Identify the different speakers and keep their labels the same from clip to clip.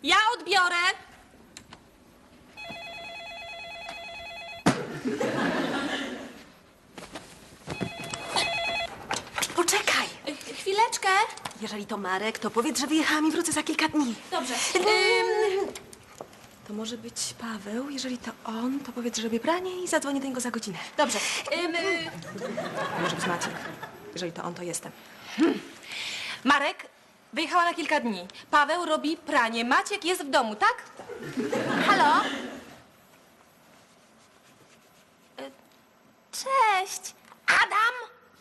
Speaker 1: Ja odbiorę.
Speaker 2: Poczekaj!
Speaker 1: Chwileczkę.
Speaker 2: Jeżeli to Marek, to powiedz, że wyjechałam i wrócę za kilka dni.
Speaker 1: Dobrze.
Speaker 2: To może być Paweł. Jeżeli to on, to powiedz, że robię pranie i zadzwonię do niego za godzinę.
Speaker 1: Dobrze.
Speaker 2: Może być Maciek. Jeżeli to on, to jestem.
Speaker 1: Marek wyjechała na kilka dni. Paweł robi pranie. Maciek jest w domu, tak? Halo? Cześć. Adam?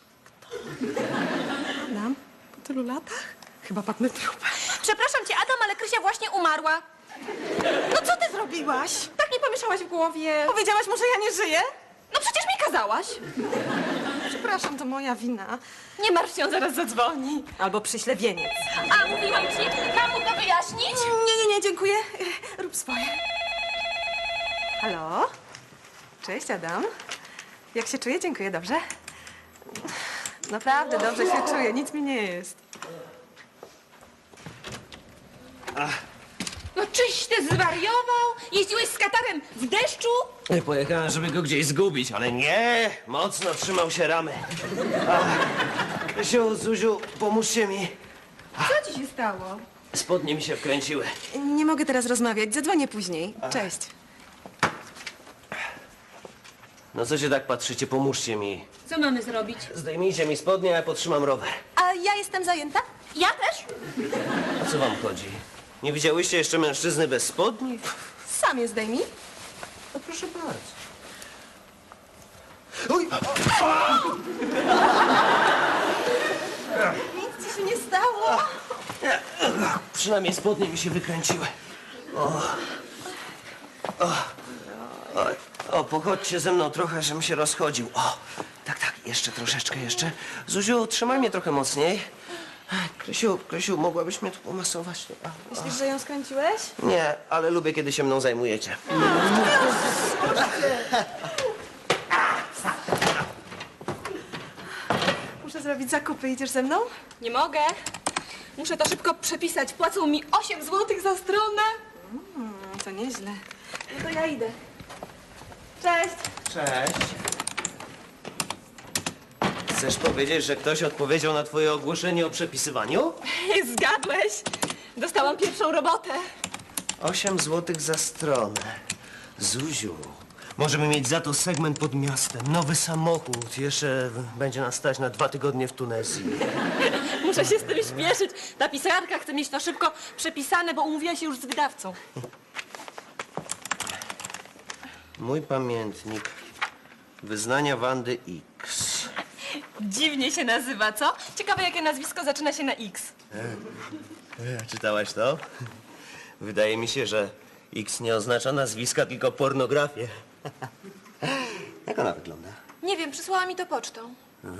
Speaker 2: Adam? Po tylu latach? Chyba padnę trupem.
Speaker 1: Przepraszam cię, Adam, ale Krysia właśnie umarła.
Speaker 2: No co ty zrobiłaś?
Speaker 1: Tak mi pomieszałaś w głowie.
Speaker 2: Powiedziałaś mu, że ja nie żyję?
Speaker 1: No przecież mi kazałaś.
Speaker 2: Przepraszam, to moja wina.
Speaker 1: Nie martw się, on zaraz zadzwoni.
Speaker 2: Albo przyślę wieniec.
Speaker 1: A, mówiłam ci, mam mu to wyjaśnić?
Speaker 2: Nie, dziękuję. Rób swoje. Halo? Cześć, Adam. Jak się czuję? Dziękuję, dobrze? Naprawdę dobrze się czuję, nic mi nie jest.
Speaker 1: No czyś ty zwariował? Jeździłeś z katarem w deszczu?
Speaker 3: Pojechałem, żeby go gdzieś zgubić, ale nie, mocno trzymał się ramy. Krysiu, Zuziu, pomóżcie mi.
Speaker 1: Co ci się stało?
Speaker 3: Spodnie mi się wkręciły.
Speaker 2: Nie mogę teraz rozmawiać, zadzwonię później. Cześć.
Speaker 3: No co się tak patrzycie, pomóżcie mi.
Speaker 1: Co mamy zrobić?
Speaker 3: Zdejmijcie mi spodnie, a ja podtrzymam rower.
Speaker 2: A ja jestem zajęta?
Speaker 1: Ja też?
Speaker 3: O co wam chodzi? Nie widziałyście jeszcze mężczyzny bez spodni?
Speaker 2: Sam je zdejmij.
Speaker 3: No proszę bardzo. Uj!
Speaker 2: Nic ci się nie stało.
Speaker 3: Przynajmniej spodnie mi się wykręciły. O, pochodźcie ze mną trochę, żebym się rozchodził. O, tak, jeszcze troszeczkę jeszcze. Zuziu, trzymaj mnie trochę mocniej. Krysiu, mogłabyś mnie tu pomasować?
Speaker 2: Myślisz, że ją skręciłeś?
Speaker 3: Nie, ale lubię, kiedy się mną zajmujecie.
Speaker 2: Muszę zrobić zakupy, idziesz ze mną?
Speaker 1: Nie mogę. Muszę to szybko przepisać. Płacą mi 8 zł za stronę.
Speaker 2: To nieźle. No to ja idę. Cześć.
Speaker 3: Cześć. Chcesz powiedzieć, że ktoś odpowiedział na twoje ogłoszenie o przepisywaniu?
Speaker 1: Zgadłeś. Dostałam pierwszą robotę.
Speaker 3: 8 złotych za stronę. Zuziu, możemy mieć za to segment pod miastem, nowy samochód. Jeszcze będzie nas stać na 2 tygodnie w Tunezji.
Speaker 1: Muszę się z tym śpieszyć. Ta pisarka chce mieć to szybko przepisane, bo umówiła się już z wydawcą.
Speaker 3: Mój pamiętnik. Wyznania Wandy X.
Speaker 1: Dziwnie się nazywa, co? Ciekawe, jakie nazwisko zaczyna się na X.
Speaker 3: Czytałaś to? Wydaje mi się, że X nie oznacza nazwiska, tylko pornografię. Jak ona wygląda?
Speaker 1: Nie wiem, przysłała mi to pocztą.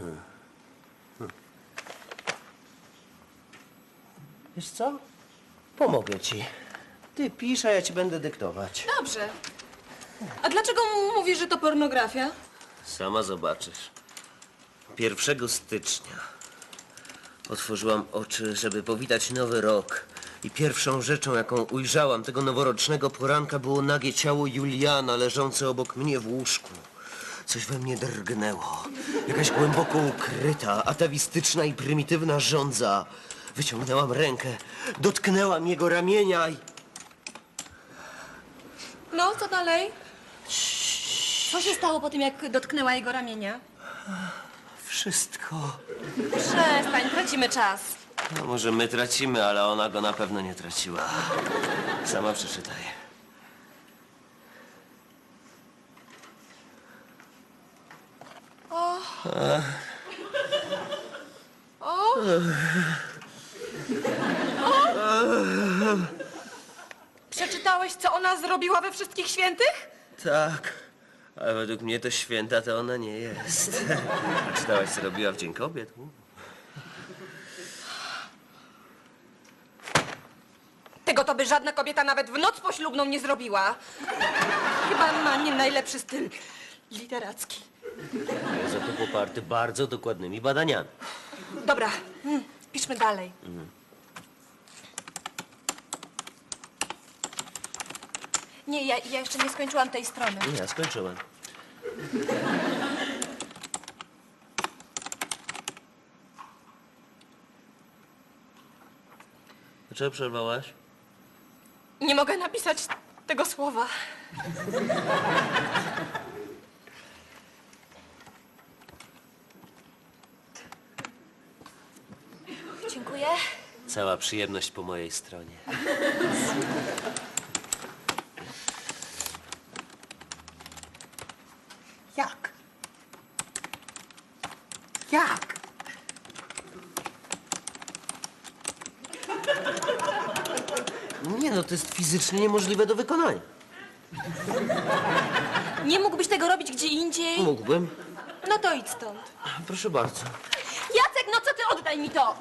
Speaker 3: Wiesz co? Pomogę ci. Ty pisz, a ja ci będę dyktować.
Speaker 1: Dobrze. A dlaczego mówisz, że to pornografia?
Speaker 3: Sama zobaczysz. 1 stycznia otworzyłam oczy, żeby powitać nowy rok. I pierwszą rzeczą, jaką ujrzałam tego noworocznego poranka, było nagie ciało Juliana leżące obok mnie w łóżku. Coś we mnie drgnęło. Jakaś głęboko ukryta, atawistyczna i prymitywna żądza. Wyciągnęłam rękę, dotknęłam jego ramienia i...
Speaker 1: No, co dalej? Co się stało po tym, jak dotknęła jego ramienia?
Speaker 3: Wszystko.
Speaker 1: Przestań, tracimy czas.
Speaker 3: No może my tracimy, ale ona go na pewno nie traciła. Sama przeczytaj.
Speaker 1: Przeczytałeś, co ona zrobiła we Wszystkich Świętych?
Speaker 3: Tak, ale według mnie to święta to ona nie jest. A czytałaś, co robiła w Dzień Kobiet?
Speaker 1: Tego to by żadna kobieta nawet w noc poślubną nie zrobiła. Chyba ma nie najlepszy styl literacki.
Speaker 3: Jest za to poparty bardzo dokładnymi badaniami.
Speaker 1: Dobra, piszmy dalej. Nie, ja jeszcze nie skończyłam tej strony.
Speaker 3: Ja skończyłem. Dlaczego przerwałaś?
Speaker 1: Nie mogę napisać tego słowa. Dziękuję.
Speaker 3: Cała przyjemność po mojej stronie.
Speaker 4: Jak? Jak?
Speaker 3: Nie no, to jest fizycznie niemożliwe do wykonania.
Speaker 1: Nie mógłbyś tego robić gdzie indziej?
Speaker 3: Mógłbym.
Speaker 1: No to idź stąd.
Speaker 3: Proszę bardzo.
Speaker 1: Jacek, no co ty, oddaj mi to!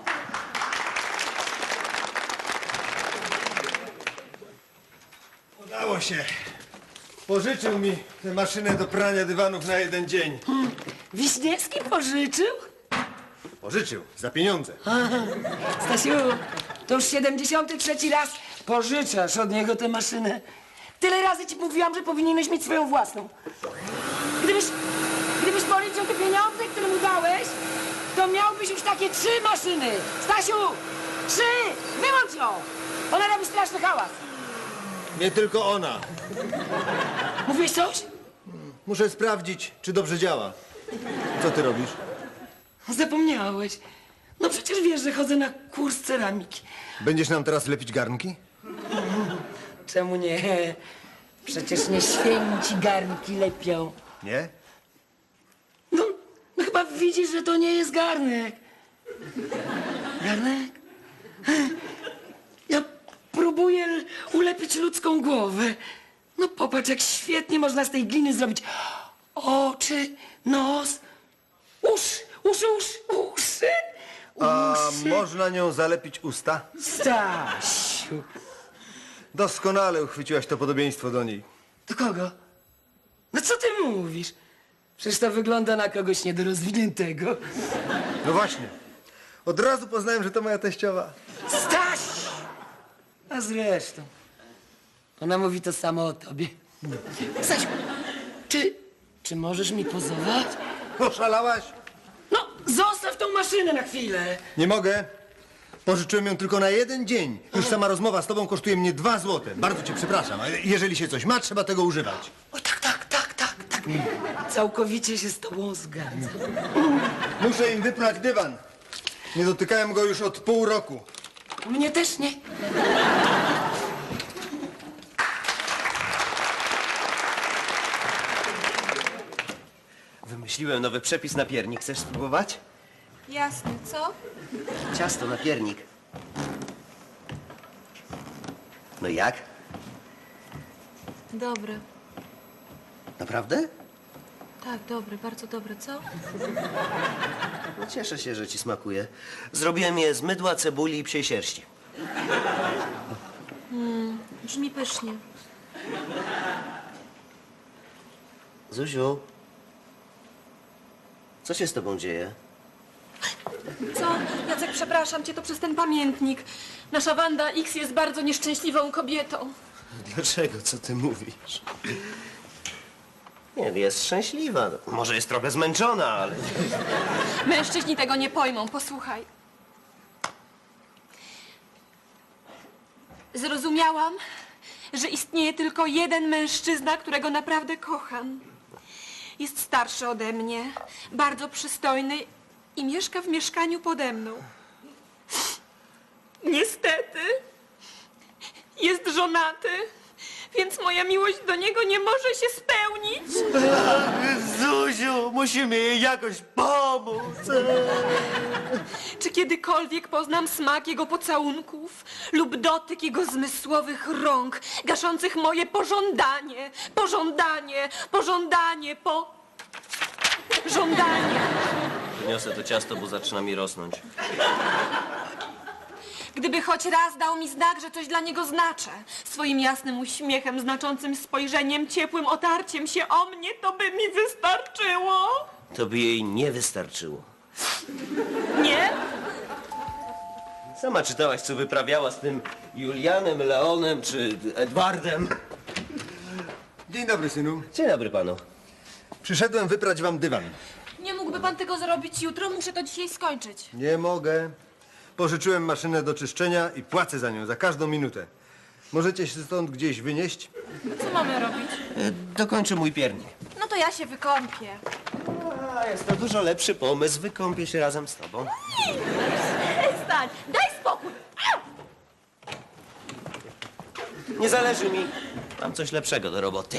Speaker 5: Udało się. Pożyczył mi tę maszynę do prania dywanów na 1 dzień.
Speaker 4: Wiśniewski pożyczył?
Speaker 5: Pożyczył, za pieniądze.
Speaker 4: Stasiu, to już 73. raz pożyczasz od niego tę maszynę. Tyle razy ci mówiłam, że powinieneś mieć swoją własną. Gdybyś policzył te pieniądze, które mu dałeś, to miałbyś już takie 3 maszyny. Stasiu, 3! Wyłącz ją! Ona robi straszny hałas.
Speaker 5: Nie tylko ona.
Speaker 4: Mówiłeś coś?
Speaker 5: Muszę sprawdzić, czy dobrze działa. Co ty robisz?
Speaker 4: Zapomniałeś. No przecież wiesz, że chodzę na kurs ceramiki.
Speaker 5: Będziesz nam teraz lepić garnki?
Speaker 4: Czemu nie? Przecież nie święci garnki lepią.
Speaker 5: Nie?
Speaker 4: No chyba widzisz, że to nie jest garnek. Garnek? Ja próbuję ulepić ludzką głowę. No popatrz, jak świetnie można z tej gliny zrobić oczy, nos, uszy.
Speaker 5: A można nią zalepić usta?
Speaker 4: Stasiu.
Speaker 5: Doskonale uchwyciłaś to podobieństwo do niej.
Speaker 4: Do kogo? No co ty mówisz? Przecież to wygląda na kogoś niedorozwiniętego.
Speaker 5: No właśnie. Od razu poznałem, że to moja teściowa.
Speaker 4: Staś! A zresztą, ona mówi to samo o tobie. Stasiu, czy możesz mi pozować?
Speaker 5: Oszalałaś?
Speaker 4: No, zostaw tą maszynę na chwilę.
Speaker 5: Nie mogę. Pożyczyłem ją tylko na 1 dzień. Już sama rozmowa z tobą kosztuje mnie 2 złote. Bardzo cię przepraszam, ale jeżeli się coś ma, trzeba tego używać.
Speaker 4: O tak. Całkowicie się z tobą zgadzam.
Speaker 5: Muszę im wyprać dywan. Nie dotykałem go już od pół roku.
Speaker 4: Mnie też nie.
Speaker 3: Wymyśliłem nowy przepis na piernik. Chcesz spróbować?
Speaker 1: Jasne, co?
Speaker 3: Ciasto na piernik. No jak?
Speaker 1: Dobre.
Speaker 3: Naprawdę?
Speaker 1: Tak, dobre, bardzo dobre, co?
Speaker 3: No cieszę się, że ci smakuje. Zrobiłem je z mydła, cebuli i psiej sierści.
Speaker 1: Brzmi pysznie.
Speaker 3: Zuziu, co się z tobą dzieje?
Speaker 1: Co? Jacek, przepraszam cię, to przez ten pamiętnik. Nasza Wanda X jest bardzo nieszczęśliwą kobietą.
Speaker 3: Dlaczego? Co ty mówisz? Nie, jest szczęśliwa. Może jest trochę zmęczona, ale...
Speaker 1: Mężczyźni tego nie pojmą, posłuchaj. Zrozumiałam, że istnieje tylko jeden mężczyzna, którego naprawdę kocham. Jest starszy ode mnie, bardzo przystojny i mieszka w mieszkaniu pode mną. Niestety, jest żonaty, więc moja miłość do niego nie może się spełnić.
Speaker 3: Zuziu, musimy jej jakoś pomóc.
Speaker 1: Czy kiedykolwiek poznam smak jego pocałunków lub dotyk jego zmysłowych rąk, gaszących moje pożądanie, żądanie.
Speaker 3: Wyniosę to ciasto, bo zaczyna mi rosnąć.
Speaker 1: Gdyby choć raz dał mi znak, że coś dla niego znaczę, swoim jasnym uśmiechem, znaczącym spojrzeniem, ciepłym otarciem się o mnie, to by mi wystarczyło.
Speaker 3: To by jej nie wystarczyło.
Speaker 1: Nie?
Speaker 3: Sama czytałaś, co wyprawiała z tym Julianem, Leonem czy Edwardem.
Speaker 5: Dzień dobry, synu.
Speaker 3: Dzień dobry panu.
Speaker 5: Przyszedłem wyprać wam dywan.
Speaker 1: Nie mógłby pan tego zrobić jutro? Muszę to dzisiaj skończyć.
Speaker 5: Nie mogę. Pożyczyłem maszynę do czyszczenia i płacę za nią za każdą minutę. Możecie się stąd gdzieś wynieść?
Speaker 1: Co mamy robić?
Speaker 3: Dokończę mój piernik.
Speaker 1: No to ja się wykąpię.
Speaker 3: A, jest to dużo lepszy pomysł. Wykąpię się razem z tobą.
Speaker 1: Przestań! Daj spokój!
Speaker 3: Nie zależy mi. Mam coś lepszego do roboty.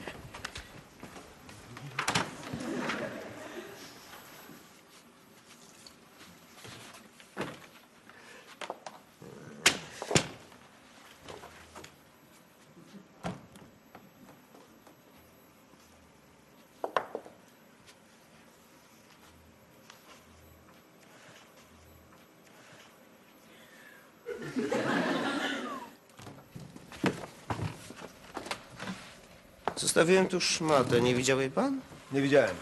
Speaker 3: Zostawiłem tu szmatę. Nie widział jej pan?
Speaker 5: Nie widziałem.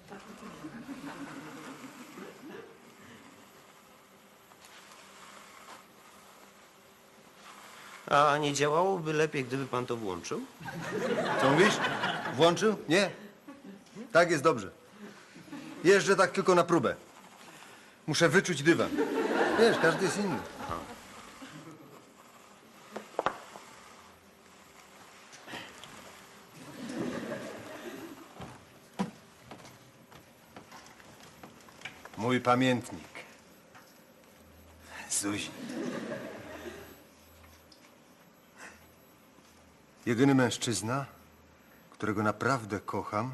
Speaker 3: A nie działałoby lepiej, gdyby pan to włączył?
Speaker 5: Co mówisz? Włączył? Nie. Tak jest dobrze. Jeżdżę tak tylko na próbę. Muszę wyczuć dywan. Wiesz, każdy jest inny. Mój pamiętnik. Zuzi. Jedyny mężczyzna, którego naprawdę kocham,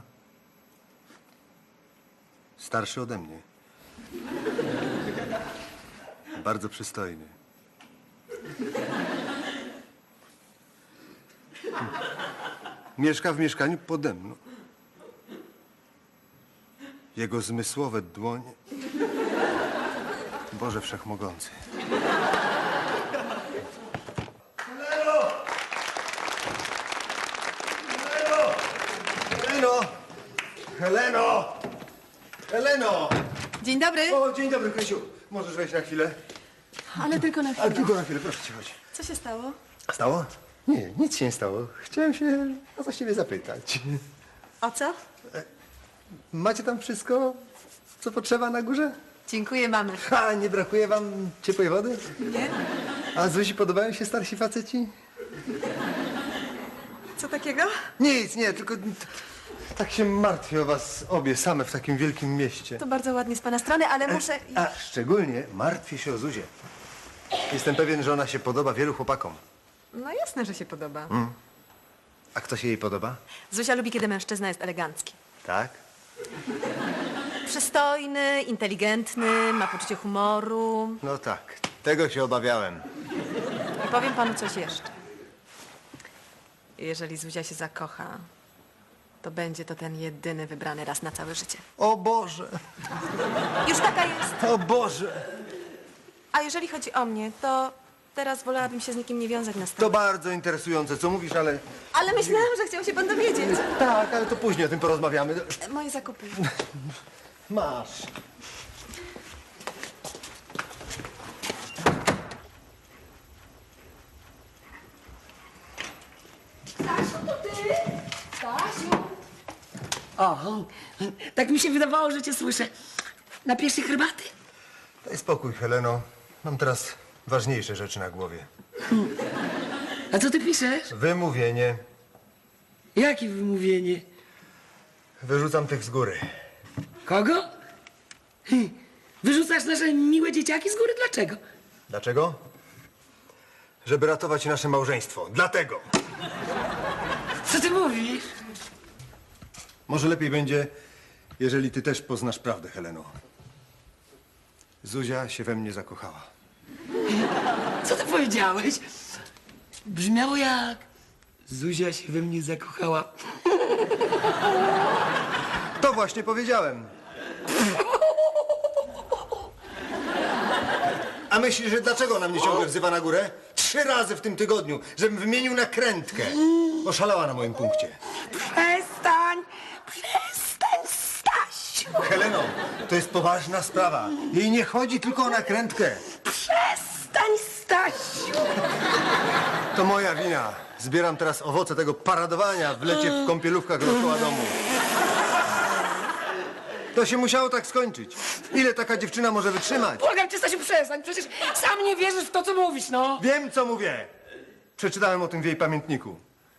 Speaker 5: starszy ode mnie. Bardzo przystojny. Mieszka w mieszkaniu pode mną. Jego zmysłowe dłonie. Boże Wszechmogący. Heleno! Heleno! Heleno!
Speaker 2: Dzień dobry.
Speaker 5: O, dzień dobry, Krysiu. Możesz wejść na chwilę?
Speaker 2: Ale tylko na
Speaker 5: Ale
Speaker 2: chwilę.
Speaker 5: tylko na chwilę, proszę cię, chodź.
Speaker 2: Co się stało?
Speaker 5: Stało? Nie, nic się nie stało. Chciałem się o coś ciebie zapytać.
Speaker 2: O co?
Speaker 5: Macie tam wszystko, co potrzeba na górze?
Speaker 2: Dziękuję, mamy.
Speaker 5: A, nie brakuje wam ciepłej wody?
Speaker 2: Nie?
Speaker 5: A Zuzi podobają się starsi faceci?
Speaker 2: Co takiego?
Speaker 5: Nic, nie, tylko tak się martwię o was obie same w takim wielkim mieście.
Speaker 2: To bardzo ładnie z pana strony, ale muszę...
Speaker 5: A szczególnie martwię się o Zuzię. Jestem pewien, że ona się podoba wielu chłopakom.
Speaker 2: No jasne, że się podoba.
Speaker 5: A kto się jej podoba?
Speaker 2: Zuzia lubi, kiedy mężczyzna jest elegancki.
Speaker 5: Tak?
Speaker 2: Przystojny, inteligentny, ma poczucie humoru.
Speaker 5: No tak, tego się obawiałem.
Speaker 2: I powiem panu coś jeszcze. Jeżeli Zuzia się zakocha, to będzie to ten jedyny wybrany raz na całe życie.
Speaker 5: O Boże,
Speaker 2: Już taka jest.
Speaker 5: o Boże.
Speaker 2: A jeżeli chodzi o mnie, to teraz wolałabym się z nikim nie wiązać na
Speaker 5: To
Speaker 2: stałe.
Speaker 5: bardzo interesujące, co mówisz, ale...
Speaker 2: Ale myślałam, że chciał się pan dowiedzieć.
Speaker 5: Tak, ale to później o tym porozmawiamy.
Speaker 2: Moje zakupy.
Speaker 5: Masz.
Speaker 4: O, tak mi się wydawało, że cię słyszę. Napijesz się herbaty?
Speaker 5: Daj spokój, Heleno. Mam teraz ważniejsze rzeczy na głowie.
Speaker 4: A co ty piszesz?
Speaker 5: Wymówienie.
Speaker 4: Jakie wymówienie?
Speaker 5: Wyrzucam tych z góry.
Speaker 4: Kogo? Wyrzucasz nasze miłe dzieciaki z góry? Dlaczego?
Speaker 5: Dlaczego? Żeby ratować nasze małżeństwo. Dlatego.
Speaker 4: Co ty mówisz?
Speaker 5: Może lepiej będzie, jeżeli ty też poznasz prawdę, Heleno. Zuzia się we mnie zakochała.
Speaker 4: Co ty powiedziałeś? Brzmiało jak... Zuzia się we mnie zakochała.
Speaker 5: To właśnie powiedziałem. A myślisz, że dlaczego ona mnie ciągle wzywa na górę? 3 razy w tym tygodniu, żebym wymienił nakrętkę. Oszalała na moim punkcie.
Speaker 4: Przestań! Przestań, Stasiu!
Speaker 5: Heleno, to jest poważna sprawa. Jej nie chodzi tylko o nakrętkę.
Speaker 4: Przestań, Stasiu!
Speaker 5: To moja wina. Zbieram teraz owoce tego paradowania w lecie w kąpielówkach dookoła domu. To się musiało tak skończyć. Ile taka dziewczyna może wytrzymać?
Speaker 4: Błagam cię, Stasiu, przestań. Przecież sam nie wierzysz w to, co mówisz, no.
Speaker 5: Wiem, co mówię. Przeczytałem o tym w jej pamiętniku.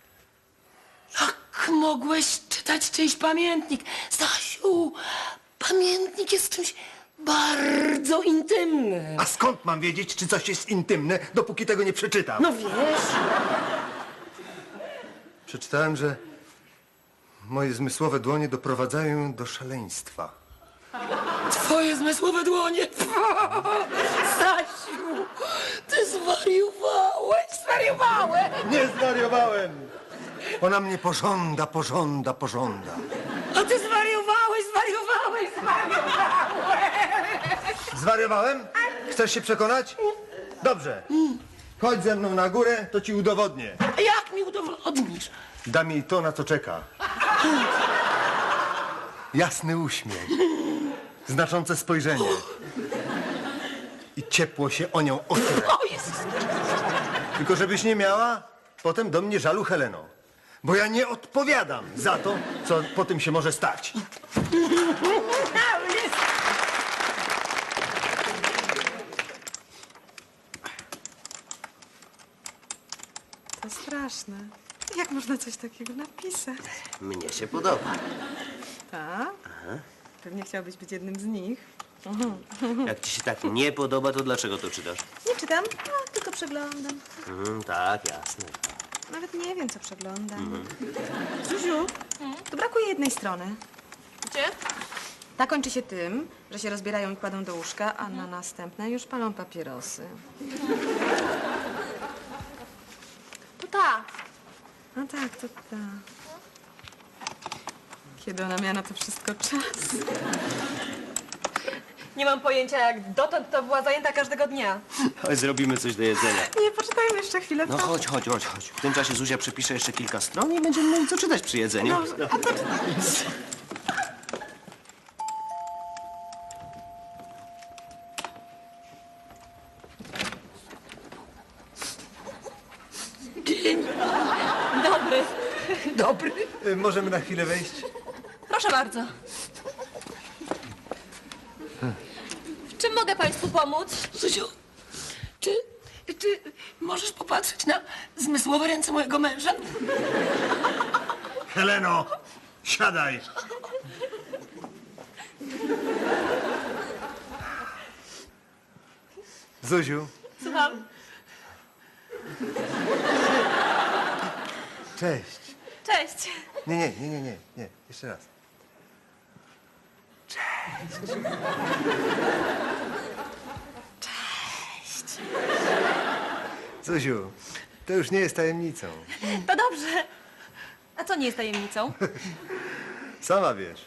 Speaker 4: Jak mogłeś czytać czyjś pamiętnik? Stasiu, pamiętnik jest czymś bardzo intymnym.
Speaker 5: A skąd mam wiedzieć, czy coś jest intymne, dopóki tego nie przeczytam?
Speaker 4: No wiesz,
Speaker 5: Przeczytałem, że moje zmysłowe dłonie doprowadzają ją do szaleństwa.
Speaker 4: twoje zmysłowe dłonie. Stasiu, ty zwariowałeś, zwariowałeś.
Speaker 5: Nie zwariowałem! Ona mnie pożąda.
Speaker 4: A ty zwariowałeś.
Speaker 5: Zwariowałem? Chcesz się przekonać? Dobrze. Chodź ze mną na górę, to ci udowodnię.
Speaker 4: A jak mi udowodnisz?
Speaker 5: Dam jej to, na co czeka. Jasny uśmiech. Znaczące spojrzenie. I ciepło się o nią otyle.
Speaker 4: O Jezus!
Speaker 5: Tylko żebyś nie miała potem do mnie żalu, Heleno. Bo ja nie odpowiadam za to, co po tym się może stać.
Speaker 2: To straszne. Jak można coś takiego napisać?
Speaker 3: Mnie się podoba.
Speaker 2: Tak? Pewnie chciałbyś być jednym z nich.
Speaker 3: Jak ci się tak nie podoba, to dlaczego to czytasz?
Speaker 2: Nie czytam, tylko przeglądam.
Speaker 3: Tak, jasne.
Speaker 2: Nawet nie wiem, co przeglądam. Zuziu, tu brakuje jednej strony.
Speaker 1: Gdzie?
Speaker 2: Ta kończy się tym, że się rozbierają i kładą do łóżka, a na następne już palą papierosy.
Speaker 1: To ta.
Speaker 2: No tak, to ta. Kiedy ona miała na to wszystko czas?
Speaker 1: Nie mam pojęcia, jak dotąd to była zajęta każdego dnia.
Speaker 3: Chodź, zrobimy coś do jedzenia.
Speaker 2: Nie, poczytajmy jeszcze chwilę.
Speaker 3: No chodź. W tym czasie Zuzia przepisze jeszcze kilka stron i będziemy mieli co czytać przy jedzeniu.
Speaker 1: Dobry.
Speaker 4: Dobry.
Speaker 5: Możemy na chwilę wejść?
Speaker 1: Proszę bardzo. W czym mogę państwu pomóc?
Speaker 4: Zuziu, czy możesz popatrzeć na zmysłowe ręce mojego męża?
Speaker 5: Heleno, siadaj. Zuziu,
Speaker 1: Słucham.
Speaker 5: cześć.
Speaker 1: Cześć.
Speaker 5: Nie. Jeszcze raz. Cześć. Zuziu, to już nie jest tajemnicą.
Speaker 1: To dobrze. A co nie jest tajemnicą?
Speaker 5: Sama wiesz.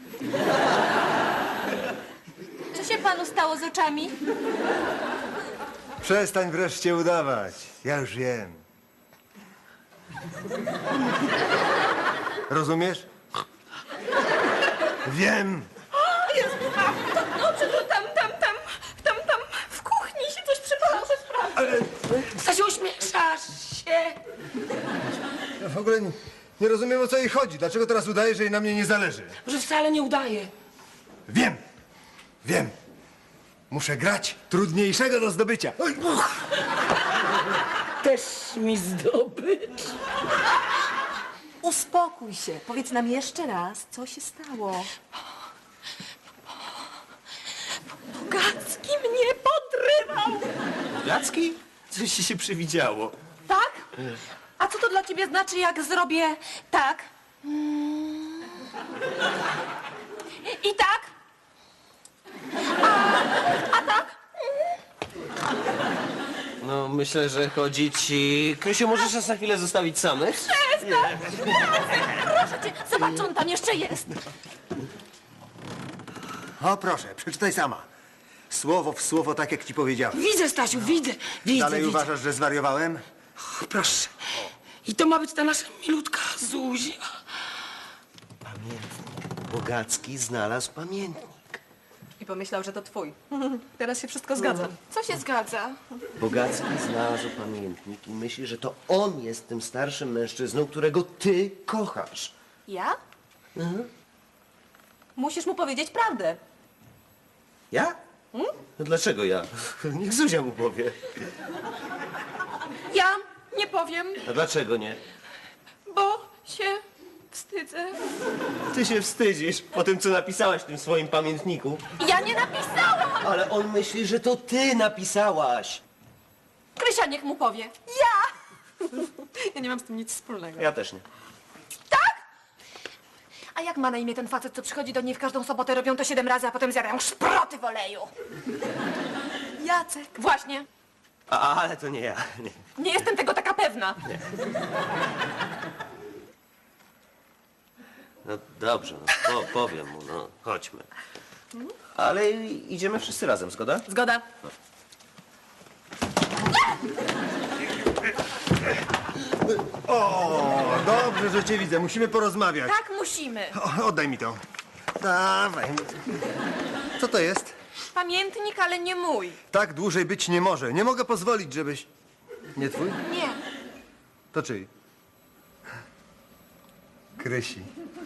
Speaker 1: Co się panu stało z oczami?
Speaker 5: Przestań wreszcie udawać. Ja już wiem. Rozumiesz? Wiem.
Speaker 1: Dobrze, to tam w kuchni się coś przypalało.
Speaker 4: Stasiu, uśmieszasz się.
Speaker 5: Ja w ogóle nie rozumiem, o co jej chodzi. Dlaczego teraz udaje, że jej na mnie nie zależy?
Speaker 4: Że wcale nie udaje.
Speaker 5: Wiem. Muszę grać trudniejszego do zdobycia. Oj.
Speaker 4: Też mi zdobycz.
Speaker 2: Uspokój się. Powiedz nam jeszcze raz, co się stało.
Speaker 1: Bogacki mnie podrywał.
Speaker 3: Jacki? Coś ci się przywidziało.
Speaker 1: Tak? A co to dla ciebie znaczy, jak zrobię tak? I tak? A tak?
Speaker 3: No, myślę, że chodzi ci... Krysiu, możesz nas na chwilę zostawić samych?
Speaker 1: Proszę cię, zobacz, on tam jeszcze jest.
Speaker 5: O, proszę, przeczytaj sama. Słowo w słowo, tak jak ci powiedziałem.
Speaker 4: Widzę, Stasiu, widzę.
Speaker 5: Dalej
Speaker 4: widzę.
Speaker 5: uważasz, że zwariowałem?
Speaker 4: Proszę. I to ma być ta nasza milutka Zuzia.
Speaker 3: Pamiętnik. Bogacki znalazł pamiętnik.
Speaker 2: I pomyślał, że to twój. Teraz się wszystko zgadza.
Speaker 1: Co się zgadza?
Speaker 3: Bogacki znalazł pamiętnik i myśli, że to on jest tym starszym mężczyzną, którego ty kochasz.
Speaker 2: Ja? Musisz mu powiedzieć prawdę.
Speaker 3: Ja? No dlaczego ja? Niech Zuzia mu powie.
Speaker 1: Ja nie powiem,
Speaker 3: A dlaczego nie?
Speaker 1: bo się wstydzę.
Speaker 3: Ty się wstydzisz po tym, co napisałaś w tym swoim pamiętniku.
Speaker 1: Ja nie napisałam!
Speaker 3: Ale on myśli, że to ty napisałaś.
Speaker 1: Krysia niech mu powie.
Speaker 2: Ja nie mam z tym nic wspólnego.
Speaker 3: Ja też nie.
Speaker 1: A jak ma na imię ten facet, co przychodzi do niej w każdą sobotę, robią to 7 razy, a potem zjadają szproty w oleju?
Speaker 2: Jacek.
Speaker 1: Właśnie.
Speaker 3: Ale to nie ja. Nie.
Speaker 1: Nie jestem tego taka pewna.
Speaker 3: No dobrze, no, powiem mu, no chodźmy. Ale idziemy wszyscy razem, zgoda?
Speaker 2: Zgoda.
Speaker 5: O, dobrze, że cię widzę. Musimy porozmawiać.
Speaker 1: Tak musimy.
Speaker 5: Oddaj mi to. Dawaj. Co to jest?
Speaker 1: Pamiętnik, ale nie mój.
Speaker 5: Tak dłużej być nie może. Nie mogę pozwolić, żebyś... Nie twój?
Speaker 1: Nie.
Speaker 5: To czyj? Krysi.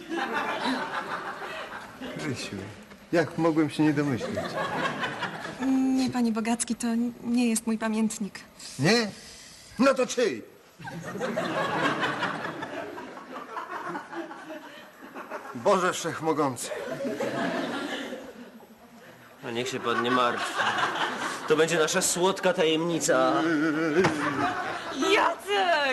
Speaker 5: Krysiu, jak mogłem się nie domyślić?
Speaker 2: Nie, panie Bogacki, to nie jest mój pamiętnik.
Speaker 5: Nie? No to czyj? Boże Wszechmogący.
Speaker 3: No niech się pan nie martwi. To będzie nasza słodka tajemnica.
Speaker 1: Jacek!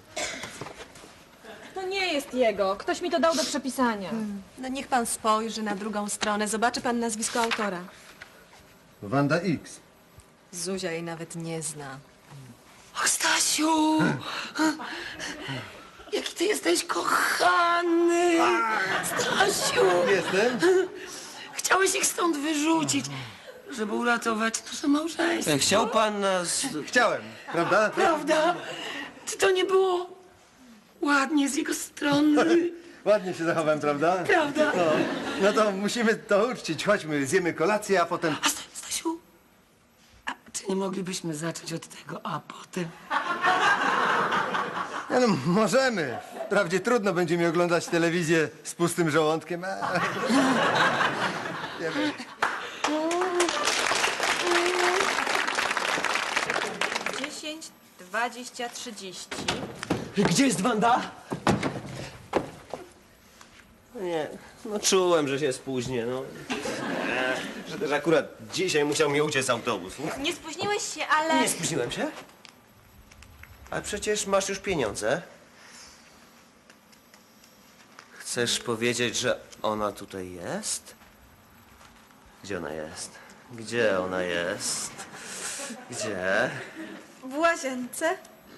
Speaker 1: To nie jest jego. Ktoś mi to dał do przepisania.
Speaker 2: No niech pan spojrzy na drugą stronę. Zobaczy pan nazwisko autora.
Speaker 5: Wanda X.
Speaker 2: Zuzia jej nawet nie zna.
Speaker 4: Och, Stasiu! Jaki ty jesteś kochany! Stasiu!
Speaker 5: Jestem?
Speaker 4: Chciałeś ich stąd wyrzucić, żeby uratować nasze małżeństwo.
Speaker 3: Chciał pan nas...
Speaker 5: Chciałem, prawda?
Speaker 4: Prawda? Czy to nie było ładnie z jego strony?
Speaker 5: Ładnie się zachowałem, prawda?
Speaker 4: Prawda?
Speaker 5: No to musimy to uczcić. Chodźmy, zjemy kolację, a potem...
Speaker 4: A Stasiu, a czy nie moglibyśmy zacząć od tego, a potem?
Speaker 5: No, możemy. Wprawdzie trudno będzie mi oglądać telewizję z pustym żołądkiem. Nie wiem.
Speaker 2: 10, 20, 30.
Speaker 3: Gdzie jest Wanda? Nie, no czułem, że się spóźnię, no. Że też akurat dzisiaj musiał mi uciec autobus.
Speaker 1: Nie spóźniłeś się, ale...
Speaker 3: Nie spóźniłem się? A przecież masz już pieniądze. Chcesz powiedzieć, że ona tutaj jest? Gdzie ona jest? Gdzie ona jest? Gdzie?
Speaker 2: W łazience?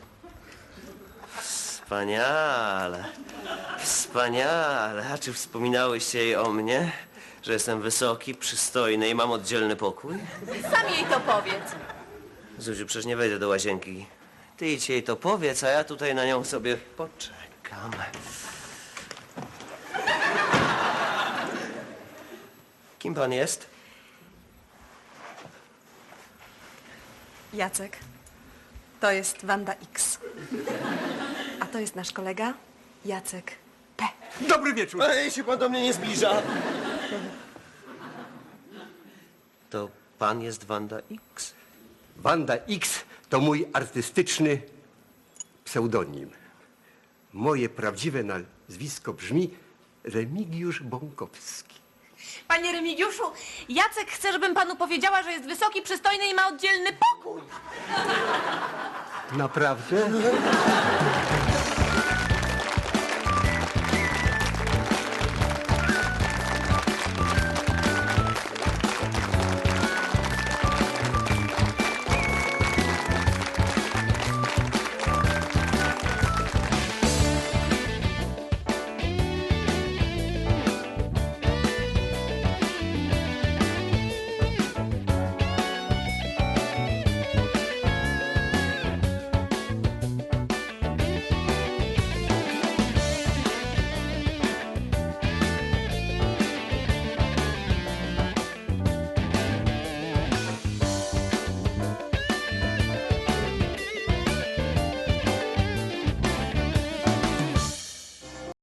Speaker 3: Wspaniale. Wspaniale. A czy wspominałeś jej o mnie? Że jestem wysoki, przystojny i mam oddzielny pokój?
Speaker 1: Sam jej to powiedz.
Speaker 3: Zuziu, przecież nie wejdę do łazienki. Ty idź jej to powiedz, a ja tutaj na nią sobie poczekam. Kim pan jest?
Speaker 2: Jacek. To jest Wanda X. A to jest nasz kolega Jacek P.
Speaker 5: Dobry wieczór.
Speaker 3: Ej, się pan do mnie nie zbliża. To pan jest Wanda X?
Speaker 6: Wanda X to mój artystyczny pseudonim. Moje prawdziwe nazwisko brzmi Remigiusz Bąkowski.
Speaker 1: Panie Remigiuszu, Jacek chce, żebym panu powiedziała, że jest wysoki, przystojny i ma oddzielny pokój.
Speaker 6: Naprawdę?